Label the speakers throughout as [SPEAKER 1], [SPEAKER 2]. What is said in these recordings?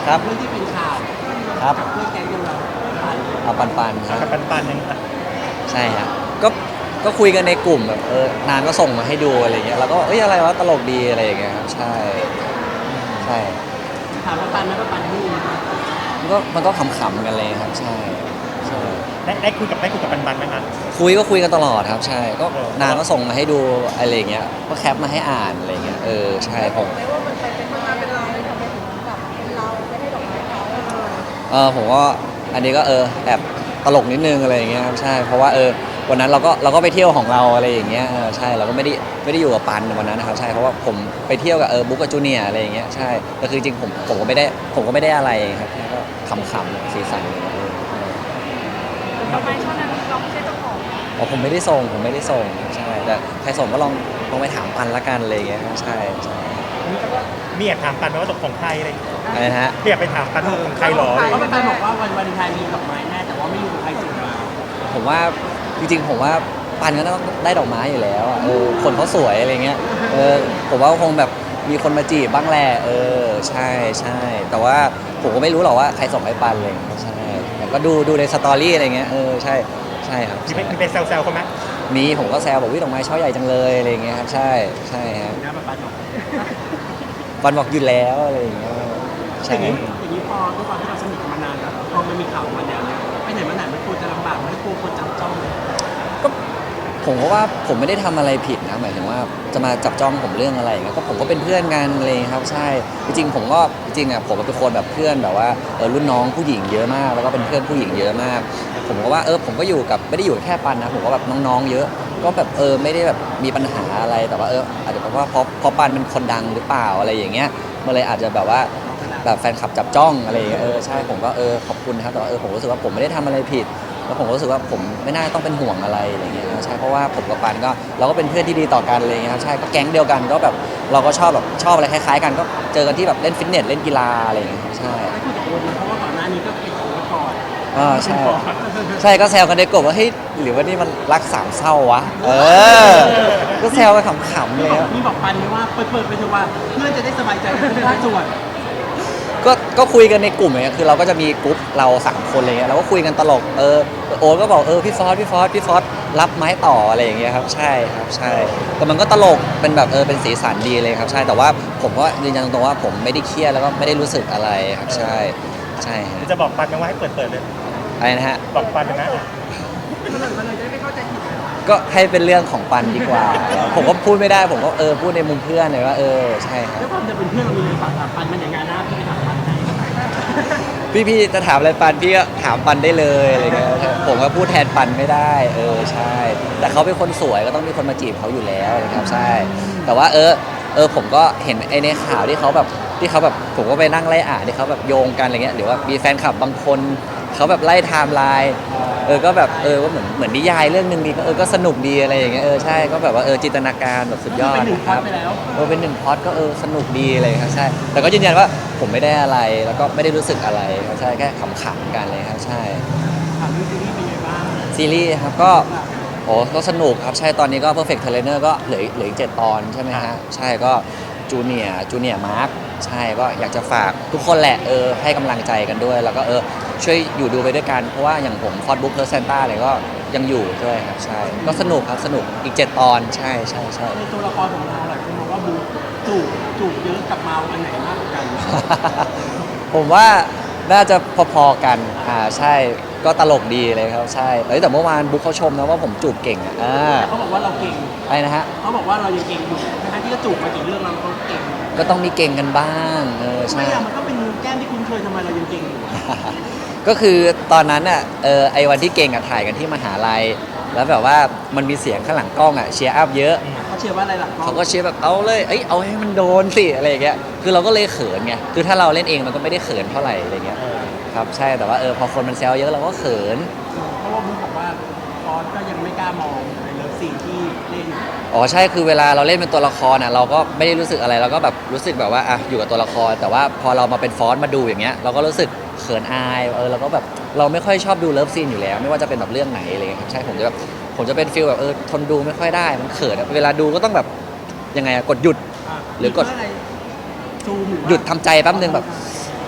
[SPEAKER 1] ครับ
[SPEAKER 2] เรื่องที่เป็นข่าว
[SPEAKER 1] ครับ
[SPEAKER 2] กับเพื่อนแก๊งเดียวเรา
[SPEAKER 1] เอาปันครับ
[SPEAKER 3] กับปันๆยังไง
[SPEAKER 1] ใช่ครับก็ก็คุยกันในกลุ่มแบบนางก็ส่งมาให้ดูอะไรเงี้ยเราก็เอ้ยอะไรวะตลกดีอะไรอย่างเงี้ยครับใช่ใช่
[SPEAKER 2] ถามว่าปันไหมว่าปันที่นะ
[SPEAKER 1] มันก็ขำๆกันเลยครับใช่ใช่
[SPEAKER 3] ได้คุยกับปันๆไหมคะ
[SPEAKER 1] คุยกันตลอดครับใช่ก็
[SPEAKER 3] เออ
[SPEAKER 1] นางก็ส่งมาให้ดูอะไรเงี้ยก็แคปมาให้อ่านอะไรเงี้ยใช่ผม
[SPEAKER 4] ไม่ว่ามันเป็นมาเป็นเราเลยทำไมถึงแบบเป็นเราไม่ได้ดอกไม้เขา
[SPEAKER 1] ผมก็อันนี้ก็แอบตลกนิดนึงอะไรอย่างเงี้ยครับใช่เพราะว่าวันนั้นเราก็ไปเที่ยวของเราอะไรอย่างเงี้ยใช่เราก็ไม่ได้อยู่กับปันวันนั้นนะครับใช่เพราะว่าผมไปเที่ยวกับบุ๊กกับจูเนียร์อะไรอย่างเงี้ยใช่แต่คือจริงผมก็ไม่ได้อะไรครับแค่ก็ขำๆสีสันอะไรเงี้ย
[SPEAKER 4] ดอกไม้ช่อนั้นเราไม่ใช่เจ้าของ
[SPEAKER 1] อ๋อผมไม่ได้ส่งใช่แต่ใครส่งก็ลองไปถามปันละกันอะไรอย่างเงี้ยครับใช่
[SPEAKER 3] มีแอบถามปันไหมว่าตกของใครอะไรอย่างเงี้ย
[SPEAKER 1] อะไรนะฮะ
[SPEAKER 3] มีแอบไปถามปันว่าของใครหรอ
[SPEAKER 2] เพราะปันบอกว่าวันวาเลนไทน์มีดอกไม้แน่แต่ว่าไม่รู้ใครส่งมา
[SPEAKER 1] ผมว่าจริงๆผมว่าปันก็ต้องได้ดอกไม้อยู่แล้วอ่ะคนเขาสวยอะไรเงี้ยผมว่าคงแบบมีคนมาจีบบ้างแหละใช่แต่ว่าผมก็ไม่รู้หรอกว่าใครส่งให้ปันเลยใช่แต่ก็ดูในสตอรี่อะไรเงี้ยใช่ครับ
[SPEAKER 3] มีไปแซวเขาไหม
[SPEAKER 1] มีผมก็แซวบอกวิดอกไม้ช่อใหญ่จังเลยอะไรเงี้ยครับใช่ฮะ
[SPEAKER 2] นะปันบอก
[SPEAKER 1] ปันบอกอยู่แล้วอะไรอย่างเงี้ย
[SPEAKER 2] อ
[SPEAKER 1] ใช่
[SPEAKER 2] ย่างนี้พอด้วยความที่เราสนิทกันมานานแล้วพอมันมีข่าวมาแนวเนี้ยไปไหนมาไหนมันกลัวจะลำบากมันกลัวคนจับจ้อง
[SPEAKER 1] ก็ผมก็ว่าผมไม่ได้ทำอะไรผิดนะหมายถึงว่าจะมาจับจ้องผมเรื่องอะไรอย่างเงี้ยก็ผมก็เป็นเพื่อนกันเลยครับใช่จริงๆผมก็จริงๆอ่ะผมเป็นคนแบบเพื่อนแบบว่ารุ่นน้องผู้หญิงเยอะมากแล้วก็เป็นเพื่อนผู้หญิงเยอะมากผมก็ว่าผมก็อยู่กับไม่ได้อยู่แค่ปันนะผมก็แบบน้องๆเยอะก็แบบไม่ได้แบบมีปัญหาอะไรแต่ว่าอาจจะเพราะว่าเพราะปันเป็นคนดังหรือเปล่าอะไรอย่างเงี้ยมันเลยอาจจะแบบว่าแบบแฟนคลับจับจ้องอะไรอย่างเงี้ยใช่ผมก็ขอบคุณนะครับแต่ว่าผมรู้สึกว่าผมไม่ได้ทำอะไรผิดแล้วผมก็รู้สึกว่าผมไม่น่าต้องเป็นห่วงอะไรอะไรเงี้ยใช่เพราะว่าผมกับปันก็เราก็เป็นเพื่อนที่ดีต่อกันอะไรเงี้ยครับใช่ก็แก๊งเดียวกันก็แบบเราก็ชอบอะไรคล้ายๆกันก็เจอกันที่แบบเล่นฟิตเนสเล่นกีฬาอะไรอย่างเงี้ยใช่
[SPEAKER 2] ไม่คุยกับคนนะเพราะว่าก่อนหน้านี้ก็เป็นของก่อน
[SPEAKER 1] ใช่ก็แซวกันในกลุ่มว่าเฮ้ยหรือว่านี่มันรักสามเศร้าวะก็แซวกันขำๆเลย
[SPEAKER 2] มีบอกปันไหมว่าเปิดไปเถอะว่าเพื่อนจะได้สบายใจทุกภาคส่วน
[SPEAKER 1] ก็คุยกันในกลุ่มอย่างเงี้ยคือเราก็จะมีกลุ่มเรา3คนอะไรเงี้ยเราก็คุยกันตลกโอ๊ตก็บอกพี่ฟอสรับไม้ต่ออะไรอย่างเงี้ยครับใช่ครับใช่แต่มันก็ตลกเป็นแบบเป็นสีสันดีเลยครับใช่แต่ว่าผมก็ยืนยันตรงๆว่าผมไม่ได้เครียดแล้วก็ไม่ได้รู้สึกอะไรครับใช่ฮะ
[SPEAKER 3] จะบอกปันไหมว่าให้เปิดเลย
[SPEAKER 1] อะไรนะฮะ
[SPEAKER 3] บอกปันนะ
[SPEAKER 2] มันเลยจะไม่เข้าใจผิด
[SPEAKER 1] ก็ให้เป็นเรื่องของปันดีกว่า ผมก็พูดไม่ได้ผมก็พูดในมุมเพื่อนเลยว่าใช่ครับ
[SPEAKER 2] ด้วยความจะเป็นเพื่อนเรามีเลยฝากถามปันมันอย่างงานนะพี่ไปถามปันไหน
[SPEAKER 1] พี่จะถามอะไรปันพี่ก็ถามปันได้เลยอะไรเงี้ยผมก็พูดแทนปันไม่ได้ใช่แต่เขาเป็นคนสวยก็ต้องมีคนมาจีบเขาอยู่แล้วนะครับใช่แต่ว่าผมก็เห็นไอ้ในข่าวที่เขาแบบผมก็ไปนั่งไล่อ่านที่เขาแบบโยงกันอะไรเงี้ยหรือว่ามีแฟนคลับบางคนเขาแบบไล่ไทม์ไลน์ก็แบบก็เหมือนนิยายเรื่องนึงดีก็สนุกดีอะไรอย่างเงี้ยใช่ก็แบบว่าจินตนาการแบบสุดยอดครับเป็นหนึ่งพล็อตก็สนุกดีเลยครับใช่แต่ก็ยืนยันว่าผมไม่ได้อะไรแล้วก็ไม่ได้รู้สึกอะไรครับใช่แค่ขำๆกันเลยครับใช่
[SPEAKER 2] ถามเรื่องซีรีส์เป็นไงบ้าง
[SPEAKER 1] ซีรีส์ครับก็สนุกครับใช่ตอนนี้ก็ Perfect Trainer ก็เหลืออีก7 ตอนใช่ไหมฮะใช่ก็จูเนียร์มาร์คใช่ก็อยากจะฝากทุกคนแหละให้กำลังใจกันด้วยแล้วก็ช่วยอยู่ดูไปด้วยกันเพราะว่าอย่างผมฟอร์ดบุ๊กเพิร์ซเซนต้าอะไรก็ยังอยู่ด้วยครับใช่ก็สนุกครับสนุกอีก7 ตอนใช่
[SPEAKER 2] ในตัวละครของเราหลายคนมองว่าบูจูบเยอะกับเมาอันไหนมากกว่ากัน
[SPEAKER 1] ผมว่าน่าจะพอๆกันใช่ก็ตลกดีเลยครับใช่แต่เมื่อวานบุ๊กเขาชมนะว่าผมจูบเก่ง
[SPEAKER 2] แต่เขาบอกว่าเราเก่ง
[SPEAKER 1] อะไรนะฮะ
[SPEAKER 2] เขาบอกว่าเรายังเก่งอยู่ทั้งที่ก็จูบมากี่เรื่องเราก็เก่ง
[SPEAKER 1] ก็ต้องมีเก่งกันบ้างใช่
[SPEAKER 2] มันก็เป็นแก้มที่คุ้นเคยทำไมเรายังเก่งอยู่
[SPEAKER 1] ก็คือตอนนั้นอ่ะไอวันที่เก่งถ่ายกันที่มหาลัยแล้วแบบว่ามันมีเสียงข้างหลังกล้องเชียร์อัพเยอะ
[SPEAKER 2] เขาเชียร์ว่าอะไรหลังกล้อง
[SPEAKER 1] เขาก็เชียร์แบบเอาเลยเอาให้มันโดนสิอะไรอย่างเงี้ยคือเราก็เลยเขินไงคือถ้าเราเล่นเองมันก็ไม่ได้เขินเท่าไหร่อะไรเงี้ยครับใช่แต่ว่าพอคนมันแซวเยอะเราก็เขิน
[SPEAKER 2] เพราะว่ามึงบอกว่าฟอนก็ยังไม่กล้ามองในเลิฟซีนที่เล่น
[SPEAKER 1] ใช่คือเวลาเราเล่นเป็นตัวละครเราก็ไม่ได้รู้สึกอะไรเราก็แบบรู้สึกแบบว่าอยู่กับตัวละครแต่ว่าพอเรามาเป็นฟอนมาดูอย่างเงี้ยเราก็รู้สึกเขินอายเราก็แบบเราไม่ค่อยชอบดูเลิฟซีนอยู่แล้วไม่ว่าจะเป็นแบบเรื่องไหนอะไรเงี้ยครับใช่ผมจะเป็นฟีลแบบทนดูไม่ค่อยได้มันเขินเวลาดูก็ต้องแบบยังไงกดหยุดหรือกดหยุดทำใจแป๊บนึงแบบ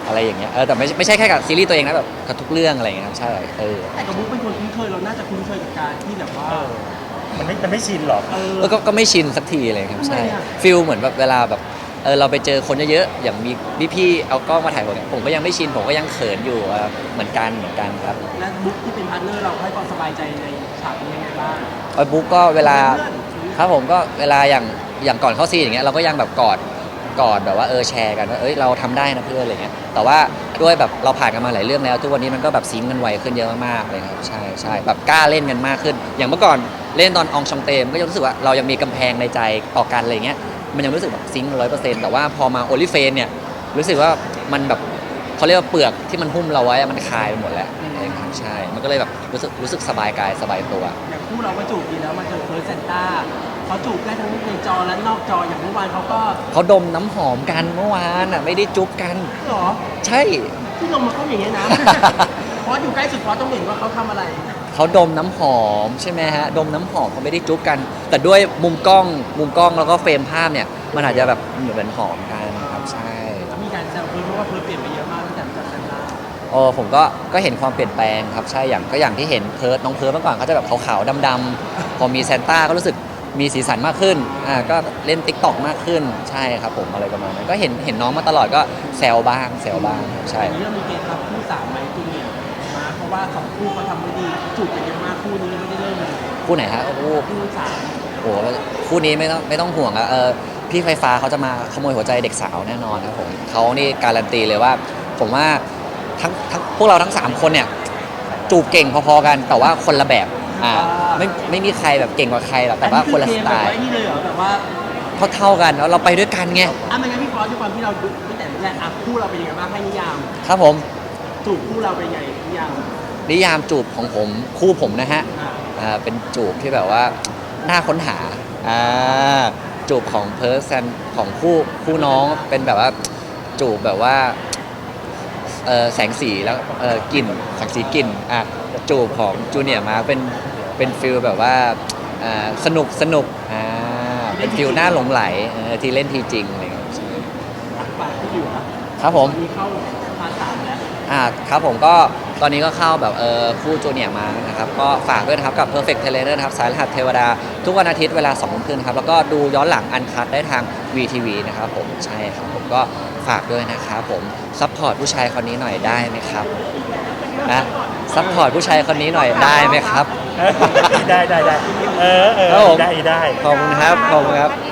[SPEAKER 1] อะไรอย่างเงี้ยแต่ไม่ใช่แค่กับซีรีส์ตัวเองนะแบบกับทุกเรื่องอะไรอย่างเงี้ยครับใช่
[SPEAKER 2] แต่กับบุ๊กเป็นคนคุ้นเคยเราน่าจะคุ้นเคยกับการที่แบบว่า
[SPEAKER 3] มันไม่ชินหรอก
[SPEAKER 1] ก็ไม่ชินสักทีเลยครับใช่
[SPEAKER 2] ทำไมอะ
[SPEAKER 1] ฟิลเหมือนแบบเวลาแบบเราไปเจอคนเยอะๆอย่างมีพี่ๆเอากล้องมาถ่ายผมก็ยังไม่ชินผมก็ยังเขินอยู่เหมือนกันครับ
[SPEAKER 2] และบุ๊กที่เป็นพาร์ทเนอร์เราให้ความสบายใจในฉากนี้ยังไงบ้าง
[SPEAKER 1] บุ๊กก็เวลา
[SPEAKER 2] เพื่อน
[SPEAKER 1] ครับผมก็เวลาอย่างก่อนเข้าซีนอย่างเงี้ยเราก็ยังแบบกอดแบบว่าแชร์กันว่าเราทำได้นะเพื่อนอะไรเงี้ยแต่ว่าด้วยแบบเราผ่านกันมาหลายเรื่องแล้วทุกวันนี้มันก็แบบซิงค์กันไวขึ้นเยอะมากๆเลยครับใช่แบบกล้าเล่นกันมากขึ้น อย่างเมื่อก่อนเล่นตอนอองชองเตมก็ยังรู้สึกว่าเรายังมีกำแพงในใจต่อกันอะไรเงี้ยมันยังรู้สึกแบบซิงค์100%แต่ว่าพอมาโอลิเฟนเนี่ยรู้สึกว่ามันแบบเขาเรียกว่าเปลือกที่มันหุ้มเราไว้มันคลายไปหมดแล้วอะไรเงี้ยใช่มันก็เลยแบบรู้สึกสบายกายสบายตัว
[SPEAKER 2] อย่างคู่เราก็จูบดีแล้วมาเจอเฟิร์สเซนต้าเขาจูบได้ทั้งในจอและนอกจออย่างเมื่อวานเขาก็
[SPEAKER 1] เขาดมน้ำหอมกันเมื่อวานไม่ได้จุ๊บกัน
[SPEAKER 2] หรอ
[SPEAKER 1] ใช่
[SPEAKER 2] ที่ลงมาก็อย่างเงี้ยนะ เพราะอยู่ใกล้สุดเพราะต้องเห็นว่าเขาทำอะไร
[SPEAKER 1] เขาดมน้ำหอมใช่ไหมฮะดมน้ำหอมเขาไม่ได้จุ๊บกัน แต่ด้วยมุมกล้องแล้วก็เฟรมภาพเนี่ยมันอาจจะแบบเหมือนหอมกันครับใช่
[SPEAKER 2] แล้วมีการแซวเฟิร์สเพราะว่าเฟิร์สเปลี่ยนไปเยอะมากตั้งแต่รู้จักเซนต้า
[SPEAKER 1] ผมก็เห็นความเปลี่ยนแปลงครับใช่อย่างที่เห็นน้องเพิร์ทเมื่อก่อนเขาจะแบบขาวๆดำๆพอมีซานต้าก็รู้สึกมีสีสันมากขึ้นก็เล่น TikTok มากขึ้นใช่ครับผมอะไรประมาณนั้นก็เห็นน้องมาตลอดก็แซวบ้างครับใช่
[SPEAKER 2] อันนี้เรามีเกณฑ์รับคู่สามไหมจูเนียร์มาเพราะว่าสองคู่เขาทำไม่ดีจูบกันเยอะมากคู่นี้ไม่ได้เริ่มเลย
[SPEAKER 1] คู่ไหนฮะโอ้โห
[SPEAKER 2] คู่สาม
[SPEAKER 1] คู่นี้ไม่ต้องห่วงอะพี่ไฟฟ้าเขาจะมาขโมยหัวใจเด็กสาวแน่นอนครับผมเขานี่การันตีเลยว่า ผมว่าทั้งพวกเราทั้ง3คนเนี่ยจูบเก่งพอๆกันแต่ว่าคนละแบบไม่มีใครแบบเก่งกว่าใครหรอกแต่ว่าคนละสไตล์
[SPEAKER 2] อันนี้คือเกมแบบว่านี่เลยเหรอแบบว่า
[SPEAKER 1] เท่ากันแล้วเราไปด้วยกันไง
[SPEAKER 2] ไม่งั้นพี่ฟอสด้วยความที่เราดูตั้งแต่แรกคู่เราเป็นยังไงบ้างให้นิยาม
[SPEAKER 1] ครับผม
[SPEAKER 2] จูบคู่เราเป็นยังไงนิยาม
[SPEAKER 1] นิยามจูบของผมคู่ผมนะฮะ
[SPEAKER 2] อ่า
[SPEAKER 1] เป็นจูบที่แบบว่าน่าค้นหาจูบของเพิร์ซันของคู่น้องเป็นแบบว่าจูบแบบว่าแสงสีแล้วกลิ่นแสงสีกลิ่นจูบของจูเนียร์มาเป็นฟิลแบบว่าสนุกเป็นฟิลน่าหลงไหลที่เล่นทีจริงอะไรเงี้ย
[SPEAKER 2] ฝากที่อยู่
[SPEAKER 1] ครับผม
[SPEAKER 2] มีเข้าพาร์ทสามแล้ว
[SPEAKER 1] ครับผมก็ตอนนี้ก็เข้าแบบคู่จูเนียร์มานะครับก็ฝากด้วยนะครับกับ Perfect t a i l o r นะครับสายรหัสเทวดาทุกวันอาทิตย์เวลา2 ทุ่มครึ่งครับแล้วก็ดูย้อนหลังอันคัดได้ทาง VTV นะครับผมใช่ครับผมก็ฝากด้วยนะครับผมซัพพอร์ตผู้ชายคนนี้หน่อยได้ไหมครับซัพพอร์ตผู้ชายคนนี้หน่อยได้ไหมครับ
[SPEAKER 3] ได้
[SPEAKER 1] ครับผม
[SPEAKER 3] ได้
[SPEAKER 1] ขอบคุณครับ